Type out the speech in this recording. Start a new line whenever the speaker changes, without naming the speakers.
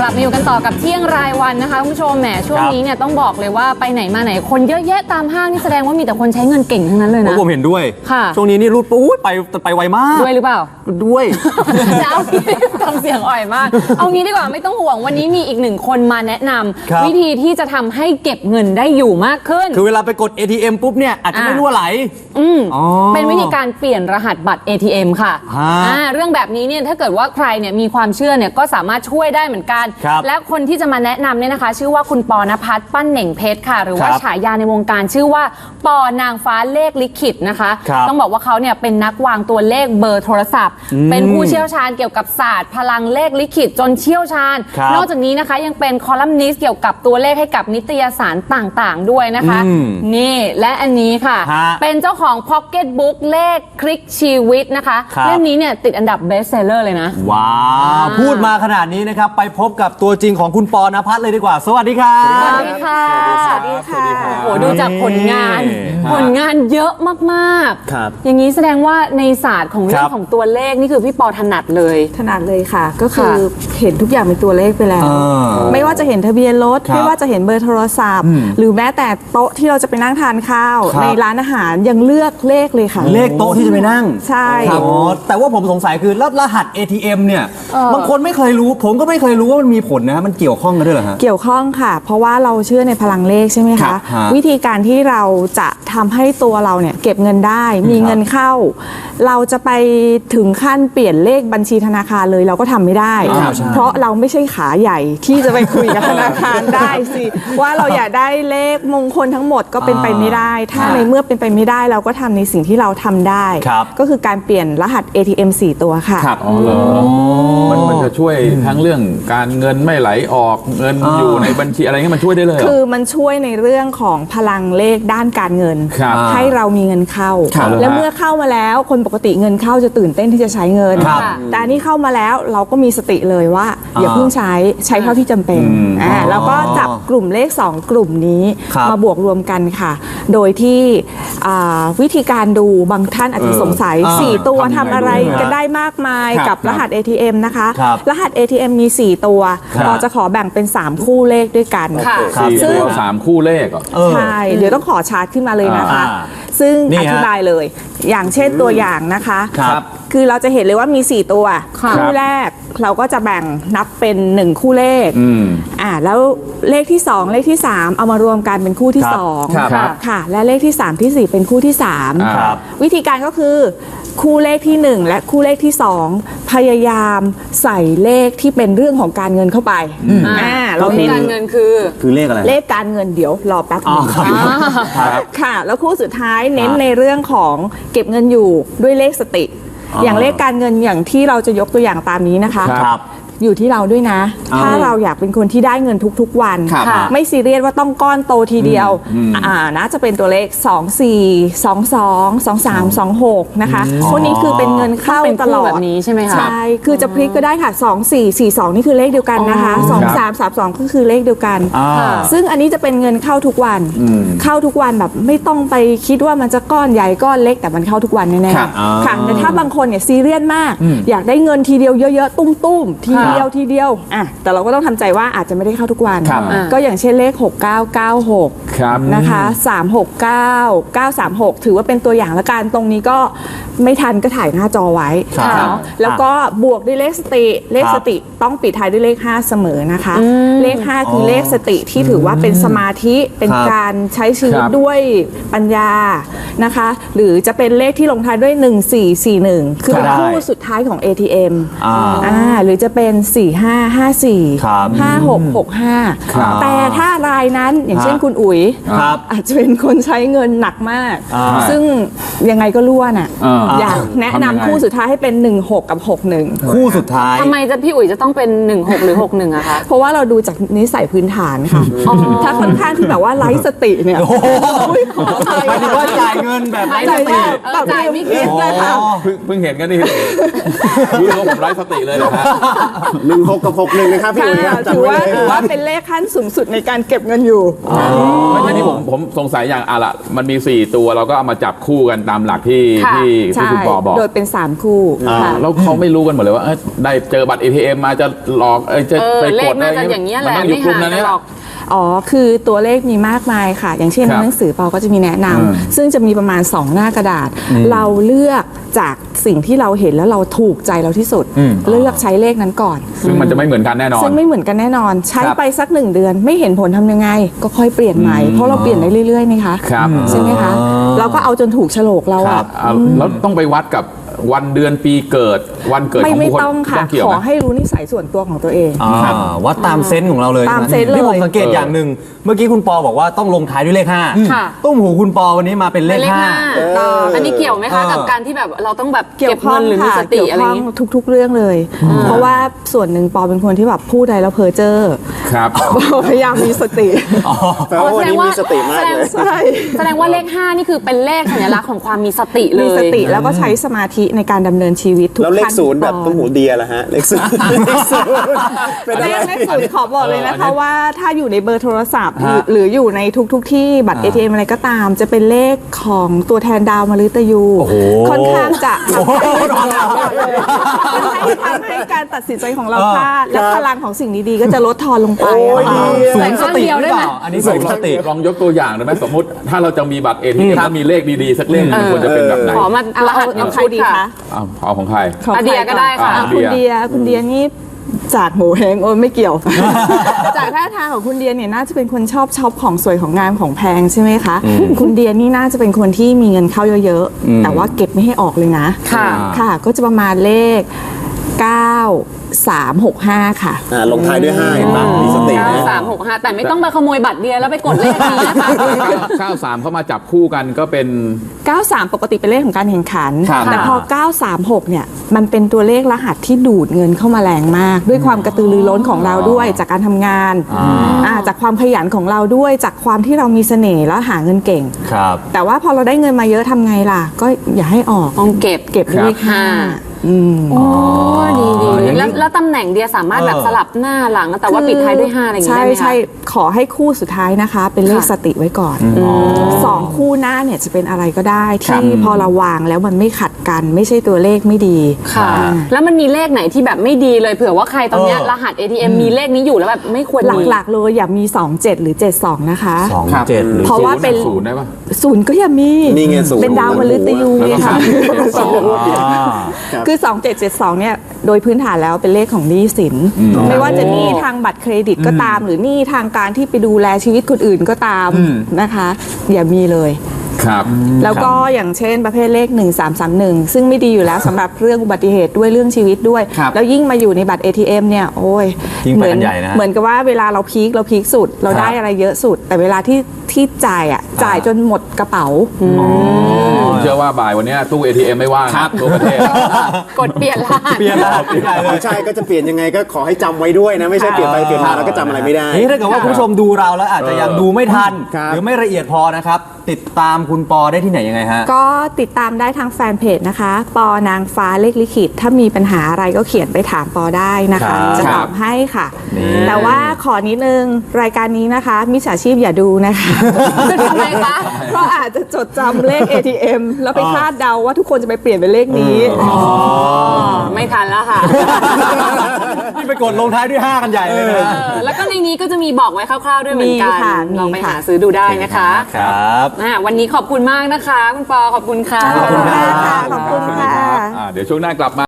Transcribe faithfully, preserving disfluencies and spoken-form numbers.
กลับมาอยู่กันต่อกับเที่ยงรายวันนะคะคุณผู้ชมแหมช่วงนี้เนี่ยต้องบอกเลยว่าไปไหนมาไหนคนเยอะแยะตามห้างนี่แสดงว่ามีแต่คนใช้เงินเก่งทั้งนั้นเลยนะ
ผมเห็นด้วย
ค่ะ
ช่วงนี้นี่รูดปุ๊บไปไปไวมาก
ด้วยหรือเปล่า
ด้วย
จะเอาทำเสียงอ่อยมากเอางี้ดีกว่าไม่ต้องห่วงวันนี้มีอีกหนึ่งคนมาแนะนำวิธีที่จะทำให้เก็บเงินได้อยู่มากขึ้น
คือเวลาไปกด เอ ที เอ็ม ปุ๊บเนี่ยอาจจะไม่รั่วไหล
อืมเป็นวิธีการเปลี่ยนรหัสบัตร เอ ที เอ็ม ค่ะอ่าเรื่องแบบนี้เนี่ยถ้าเกิดว่าใครเนี่ยมีความเชื่อเนี่ยก็สามารถช่วยได้เหมือนกันและคนที่จะมาแนะนำเนี่ยนะคะชื่อว่าคุณปอนภัสปั้นเหน่งเพชรค่ะหรือว่าฉายาในวงการชื่อว่าปอนางฟ้าเลขลิขิตนะคะต้องบอกว่าเขาเนี่ยเป็นนักวางตัวเลขเบอร์โทรศัพท์เป็นผู้เชี่ยวชาญเกี่ยวกับศาสตร์พลังเลขลิขิตจนเชี่ยวชาญนอกจากนี้นะคะยังเป็นคอลัมนิสต์เกี่ยวกับตัวเลขให้กับนิตยสารต่างๆด้วยนะคะนี่และอันนี้ค่ะเป็นเจ้าของพ็อกเก็ตบุ๊กเลขคลิกชีวิตนะคะเล่มนี้เนี่ยติดอันดับเบสเซลเลอร์เลยนะ
ว้าวพูดมาขนาดนี้นะครับไปพบกับตัวจริงของคุณปอนภัสเลยดีกว่าสวัสดีครับ
สวัสดีค่ะ
สวัสดีค่ะ
โอ้โหดูจากผลงานผลงานเยอะมากๆ
ครับ
อย่างนี้แสดงว่าในศาสตร์ของเรื่องของตัวเลขนี่คือพี่ปอถนัดเลย
ถนัดเลยค่ะก็คือเห็นทุกอย่างเป็นตัวเลขไปแล้วไม่ว่าจะเห็นทะเบียนรถไม่ว่าจะเห็นเบอร์โทรศัพท์หรือแม้แต่โต๊ะที่เราจะไปนั่งทานข้าวในร้านอาหารยังเลือกเลขเลยค่ะ
เลขโต๊ะที่จะไปนั่ง
ใช่
แต่ว่าผมสงสัยคือแล้วรหัส เอ ที เอ็ม เนี่ยบางคนไม่เคยรู้ผมก็ไม่เคยรู้ว่ามันมีผลนะมันเกี่ยวข้องกันด้วยเหรอฮะ
เกี่ยวข้องค่ะเพราะว่าเราเชื่อในพลังเลขใช่ไหมคะวิธีการที่เราจะทำให้ตัวเราเนี่ยเก็บเงินได้มีเงินเข้าเราจะไปถึงขั้นเปลี่ยนเลขบัญชีธนาคารเลยเราก็ทำไม่ได้เพราะเราไม่ใช่ขาใหญ่ที่จะไปคุยกับธนาคารได้สิว่าเราอยากได้เลขมงคลทั้งหมดก็เป็นไปไม่ได้ถ้าในเมื่อเป็นไปไม่ได้เราก็ทำในสิ่งที่เราทำได้ก็คือการเปลี่ยนรหัส เอ ที เอ็ม สี่ตัวค่ะ
ครับอ๋อเหรอมันมันจะช่วยทั้งเรื่องการเงินไม่ไหลออกเงินอยู่ในบัญชีอะไรเงี้ยมันช่วยได้เลย
คือมันช่วยในเรื่องของพลังเลขด้านการเงินให้เรามีเงินเข้าแล้วเมื่อเข้ามาแล้วคนปกติเงินเข้าจะตื่นเต้นที่จะใช้เงินแต่อันนี้เข้ามาแล้วเราก็มีสติเลยว่าอย่าเพิ่งใช้ใช้เท่าที่จำเป็นอ่าแล้วก็จับกลุ่มเลขสองกลุ่มนี้มาบวกรวมกันค่ะโดยที่วิธีการดูบางท่านอาจจะสงสัยสี่ตัวทำอะไรกันได้มากมายกับรหัส เอ ที เอ็ม นะคะรหัส เอ ที เอ็ม มีสี่ตัวเราจะขอแบ่งเป็นสามคู่เลขด้วยกัน
ซึ่งสามคู่เลข
ใช่เดี๋ยวต้องขอชาร์ตขึ้นมาเลยนะคะซึ่งอธิบายเลยอย่างเช่นตัวอย่างนะคะคือเราจะเห็นเลยว่ามีสี่ตัวคู่แรกเราก็จะแบ่งนับเป็นหนึ่งคู่เลขอ่าแล้วเลขที่สองเลขที่สามเอามารวมกันเป็นคู่ที่สองค่ะและเลขที่สามที่สี่เป็นคู่ที่สามวิธีการก็คือคู่เลขที่หนึ่งและคู่เลขที่สองพยายามใส่เลขที่เป็นเรื่องของการเงินเข้าไป
อ่าเราเน้นการเงินคือ
คือเลขอะไร
เลขการเงินเดี๋ยวรอแป๊บนึงค่ะแล้วคู่สุดท้ายเน้นในเรื่องของเก็บเงินอยู่ด้วยเลขสติอย่างเลขการเงินอย่างที่เราจะยกตัวอย่างตามนี้นะคะอยู่ที่เราด้วยนะถ้าเราอยากเป็นคนที่ได้เงินทุกๆวันไม่ซีเรียสว่าต้องก้อนโตทีเดียวอ่านะจะเป็นตัวเลขสอง สี่ สอง สอง สอง สาม สอง หกนะคะพวกนี้คือเป็นเงินเข้าตลอด
แบบนี้ใช่ไหมคะ
ใช่คือจะพลิกก็ได้ค่ะสอง สี่ สี่ สองนี่คือเลขเดียวกันนะคะสอง สาม สาม สองก็คือเลขเดียวกันซึ่งอันนี้จะเป็นเงินเข้าทุกวันเข้าทุกวันแบบไม่ต้องไปคิดว่ามันจะก้อนใหญ่ก้อนเล็กแต่มันเข้าทุกวันแน่ๆค่ะแต่ถ้าบางคนเนี่ยซีเรียสมากอยากได้เงินทีเดียวเยอะๆตุ้มๆทีเดียวทีเดียวอ่ะแต่เราก็ต้องทำใจว่าอาจจะไม่ได้เข้าทุกวันก็อย่างเช่นเลขหก เก้า เก้า หกนะคะสาม หก เก้า เก้า สาม หกถือว่าเป็นตัวอย่างละกันตรงนี้ก็ไม่ทันก็ถ่ายหน้าจอไว้แล้วก็บวกด้วยเลขสติเลขสติต้องปิดท้ายด้วยเลขห้าเสมอนะคะเลขห้าคือเลขสติที่ถือว่าเป็นสมาธิเป็นการใช้ชีวิตด้วยปัญญานะคะหรือจะเป็นเลขที่ลงท้ายด้วยหนึ่ง สี่ สี่ หนึ่งคือคู่สุดท้ายของ เอ ที เอ็ม อ่าหรือจะเป็นสี่ ห้า ห้า สี่ ห้า หก หก ห้าแต่ถ้ารายนั้นอย่างเช่นคุณอุ๋ยอาจจะเป็นคนใช้เงินหนักมากซึ่งยังไงก็ล้วนอ่ะอยากแนะนำคู่สุดท้ายให้เป็นหนึ่ง หกกับหก หนึ่ง
คู่สุดท้าย
ทำไมจะพี่อุ๋ยจะต้องเป็นหนึ่ง หกหรือหก หนึ่งอะคะ
เพราะว่าเราดูจากนิสัยพื้นฐานค่ะถ้าค่อนข้างที่แบบว่าไร้สติเนี่ย
หมายถึงว่าจ่ายเงินแบบไร้สติ
จ่ายไม่คิดเลยค่ะ
เพิ่งเห็นกันนี่รู้ว่าผมไร้สติเลยนะฮะ
หนึ่งหกกับหกหนึ่งนะครับพี่อุ๋ยครับ
ถื
จำ
อ
ไว้
ว่า
เลย
ถือว่าเป็นเลขขั้นสูงสุดในการเก็บเงินอยู่
ไม่ใช่นี่ผมผมสงสัยอย่างอะละมันมีสี่ตัวเราก็เอามาจับคู่กันตามหลักที่
ค่ะ
ที่ที่
ใช่
คุณปอบอก
โดยเป็นสามคู่ค่ะ
แล้วเขาไม่รู้กันหมดเลยว่าเอ้ยได้เจอบัตร เอ ที เอ็ม มาจะหลอกเอ้ยจะ
เออ
ไป
เล
ก
ข
ด
น่า
อะไร
จะอย่างเงี้ยแหละ
มันต้องอยู่
ไม่
กลุ่ม
หา
นั้น
กัน
เนี่ย
หรอก
อ๋อ คือตัวเลขมีมากมายค่ะ อย่างเช่น
ครับ
หนังสือเปาก็จะมีแนะนำซึ่งจะมีประมาณ สอง หน้ากระดาษ เราเลือกจากสิ่งที่เราเห็นแล้วเราถูกใจเราที่สุด เลือกใช้เลขนั้นก่อน
ซึ่งมันจะไม่เหมือนกันแน่นอน
ซึ่งไม่เหมือนกันแน่นอน ใช้
ครับ
ไปสักหนึ่งเดือนไม่เห็นผลทำยังไง ก็ค่อยเปลี่ยนใหม่ เพราะเราเปลี่ยนได้เรื่อยๆนี่คะ
ครับ
ใช่ไหมคะ เราก็เอาจนถูกโฉลกเรา
ครั
อะ
บอ่าแล้วต้องไปวัดกับวันเดือนปีเกิดวันเกิดข
ไม่
อง
ไม่
ผู้คน
ต้องค่ะ
ต้องเกี่ยว
ขอ
ไหม
ให้รู้นิสัยส่วนตัวของตัวเอง
อ่าวัดตามเซนส์ของเราเลย
ตาม
ใช่ไห
เซนส์เลย
นี่ผมสังเกตอย่างหนึ่งเมื่อกี้คุณปอบอกว่าต้องลงท้ายด้วยเลขห้า
ค่ะ
ตุ้มหูคุณปอวันนี้มาเป็นเล
เป็น
ข
เลข
ห้า
ห้าอันนี้เกี่ยวไหมคะ
เออ
กับการที่แบบเราต้องแบบ
เกี่
เก็
ย
บ
วข้อ
เงิ
ง
นหรือมี
ค่ะ
สติ
เกี่ยว
อะไร
ข้
อ
อง
ย่างงี้
ทุก ๆ เรื่องเลย เพราะว่าส่วนหนึ่งปอเป็นคนที่แบบพูดอะไรแล้วเพ้อเจ้อ
ครับ
พยายามมีสติ
แปลว่าวันนี้มีสติมากเลย
ใช่
แสดงว่าเลขห้านี่คือเป็นเลขสัญลักษณ์ของความมีสติเลย
มีสติแล้วก็ใช้สมาธิในการดำเนินชีวิตทุก
แล้วเลข
ขั้น
ศูนย์แบบ
ตอ
ตุ้มหูเดียล่ะฮะเลขศูนย์เลขศูนย์เป็น
เล
อะไร
ขเลขศูนย์ขอบอกเลยนะ
เอออัน
คะ
นี้
ว่าถ้าอยู่ในเบอร์โทรศัพท์หรือ
ฮะ
หรืออยู่ในทุกๆทที่บัตร เอ ที เอ็ม อะไรก็ตาม จะเป็นเลขของตัวแทนดาวมฤตยู
โอ้โห
ค่อนข้างจะทำให้ทำให้การตัดสินใจของเราพลาดและพลังของสิ่งดีๆก็จะลดทอนลงไปอะค่ะ
สูงสติหรือเปล่าอันนี้สูงสติ
ลองยกตัวอย่างได้ไหมสมมติถ้าเราจะมีบัตร เอ ที เอ็ม แล้วมีเลขดีๆ สักเลขหนึงควรจะเป็นแบบไหน
ขอมา
เอา
รหัส
เอา
หนึ่ง
ใคร
ชุด
ดี
ค่ะ
คะ
เอาเอาของใคร
ของ
อาเดียก็ได้ค่ะ
อ่
อ่
คุณเดียคุณเดียนี่จากโหเฮงโอ้ยไม่เกี่ยว จากท่าทางของคุณเดียเนี่ยน่าจะเป็นคนชอบช็อปของสวยของงามของแพงใช่ไหมคะ คุณเดียนี่น่าจะเป็นคนที่มีเงินเข้าเยอะๆ แต่ว่าเก็บไม่ให้ออกเลยนะ
ค่ะ
ค่ะ ก็จะประมาณเลข เก้า สาม หก ห้า ค่ะ
อ่าลงท้ายด้วยห้าเห็นปะมีสติ
เก้า
นะ
สามหกห้าแต่ไม่ต้องมาขโมยบัตรเดียแล้วไปกดเลขนี้นะคะ
เก้าสามเข้ามาจับคู่กันก็เป็น
เก้าสาม ปกติเป็นเลขของการแข่งขัน
ครับ
แต่พอ เก้าสามหก เนี่ย มันเป็นตัวเลขรหัสที่ดูดเงินเข้ามาแรงมาก ด้วยความกระตือรือร้นของเราด้วย จากการทำงานอ่าจากความขยันของเราด้วย จากความที่เรามีเสน่ห์แล้วหาเงินเก่ง
ครับ
แต่ว่าพอเราได้เงินมาเยอะทำไงล่ะ ก็อย่าให้ออก
ต้องเก็บ
เก็บเลขห้า
โอ้ดีดี
อย่างนี้
แล้วแล้วตำแหน่งเดียสามารถแบบ
เออ
สลับหน้าหลัง แต่ว่าปิดท้ายด้วยห้าอะไรอย่างงี้
ใช่
ได้ไหมคะ
ใช่ขอให้คู่สุดท้ายนะคะ เป็นเลข
ค่ะ
สติไว้ก่อนสองคู่หน้าเนี่ยจะเป็นอะไรก็ได้
ครับ
ที่พอเราวางแล้วมันไม่ขัดกัน ไม่ใช่ตัวเลขไม่ดี
ค่ะ แล้วมันมีเลขไหนที่แบบไม่ดีเลยเผื่อว่าใครตอนเนี้ย
เออ
รหัส เอ ที เอ็ม มีเลขนี้อยู่แล้วแบบไม่ควรมี
หลักๆเลยอย่ามี สอง เจ็ด หรือ เจ็ด สอง นะคะ
สองเจ็ดหรือ
เพราะว่าเป็น
ศูนย์ได้ปะ
ศูนย์ก็อย่ามี
นี่ไงศูนย์
เป็นดาวมฤตยู
แล้ว
ไง
ก็
ค่ะ
สามเจ็ดสอง
อ่า
คือ สอง เจ็ด เจ็ด สอง เนี่ย โดยพื้นฐานแล้วเป็นเลขของหนี้สิน ไม่ว่าจะหนี้ทางบัตรเครดิตก็ตาม หรือหนี้ทางการที่ไปดูแลชีวิตคนอื่นก็ตามนะคะ อย่ามีเลย
ครับ
แล้วก็อย่างเช่นประเภทเลข หนึ่ง สาม สาม หนึ่ง ซึ่งไม่ดีอยู่แล้วสำหรับเรื่องอุบัติเหตุด้วยเรื่องชีวิตด้วย
ครับ
แล้วยิ่งมาอยู่ในบัตร เอ ที เอ็ม เนี่ยโอ้ย
ยิ่งไป
เหมื
กันใหญ่นะ
เหมือนกับว่าเวลาเราพีคเราพีคสุด เรา
ครับ
ได้อะไรเยอะสุด แต่เวลาที่ที่จ่ายอ่ะจ่ายจนหมดกระเป๋า
ผมเชื่อว่าบ่ายวันเนี้ยตู้ เอ ที เอ็ม ไม่ว่างนะทั่วประเทศ
กดเปลี่ยนรหัส
เปลี่ยนรหัสไม่ได้เลย
ใช่ก็จะเปลี่ยนยังไงก็ขอให้จำไว้ด้วยนะ ไม่ใช่เปลี่ยนไปเปลี่ยนมาแล้วก็จำอะไรไม่ได้
นี่ถ้าเกิดว่าคุณผู้ชมดูเราแล้วอาจจะยังดูไม่ทัน
ครับ
หรือไม่ละเอียดพอนะครับ ติดตามคุณปอได้ที่ไหนยังไงฮะ
ก็ติดตามได้ทางแฟนเพจนะคะ ปอนางฟ้าเลขลิขิต ถ้ามีปัญหาอะไรก็เขียนไปถามปอได้นะ
ครั
คะ
บ
จะตอบให้ค่ะ
นี่
แต่ว่าขอนิดนึงรายการนี้นะคะมิจฉาชีพอย่าดูนะคะ
ทำไมคะ
เพราะอาจจะจดจำเลข เอ ที เอ็ม แล้วไปคาดเดาว่าทุกคนจะไปเปลี่ยนเป็นเลขนี้
ไม่ทันแล้วค่ะ
นี่ไปกดลงท้ายด้วยห้ากันใหญ่เลยนะ
เออแล้วก็ในนี้ก็จะมีบอกไว้คร่าวๆด้วยเหมือนกั
มีค่ะ
น
มี
ลองไป
ค่ะ
หาซื้อดูได้นะคะ
ครับ
อ่าวันนี้ขอบคุณมากนะคะ คุณปอขอบคุณค่ะ
ขอบคุณครับ
ขอบคุณค่ะ
อ่าเดี๋ยวช่วงหน้ากลับมา